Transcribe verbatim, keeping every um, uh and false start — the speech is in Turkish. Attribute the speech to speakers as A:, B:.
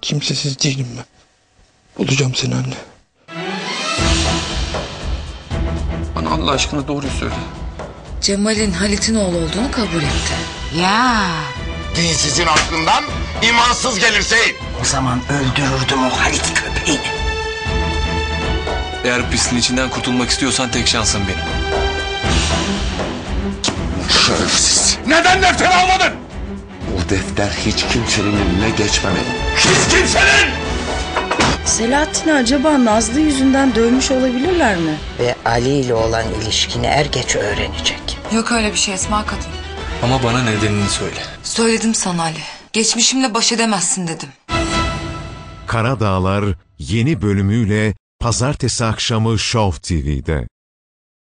A: Kimsesiz değilim ben. Bulacağım seni anne. Bana Allah aşkına doğruyu söyle.
B: Cemal'in Halit'in oğlu olduğunu kabul etti.
C: Ya.
D: Dinsizin aklından imansız gelirse.
C: O zaman öldürürdüm o Halit köpeğini.
E: Eğer pisliğin içinden kurtulmak istiyorsan tek şansın benim.
D: Şerefsiz. Neden defteri almadın? O defter hiç kimsenin eline geçmemeli. Hiç kimsenin!
F: Selahattin'i acaba Nazlı yüzünden dövmüş olabilirler mi?
C: Ve Ali ile olan ilişkini er geç öğrenecek.
B: Yok öyle bir şey Esma kadın.
E: Ama bana nedenini söyle.
B: Söyledim sana Ali. Geçmişimle baş edemezsin dedim.
G: Kara Dağlar yeni bölümüyle Pazartesi akşamı Show T V'de.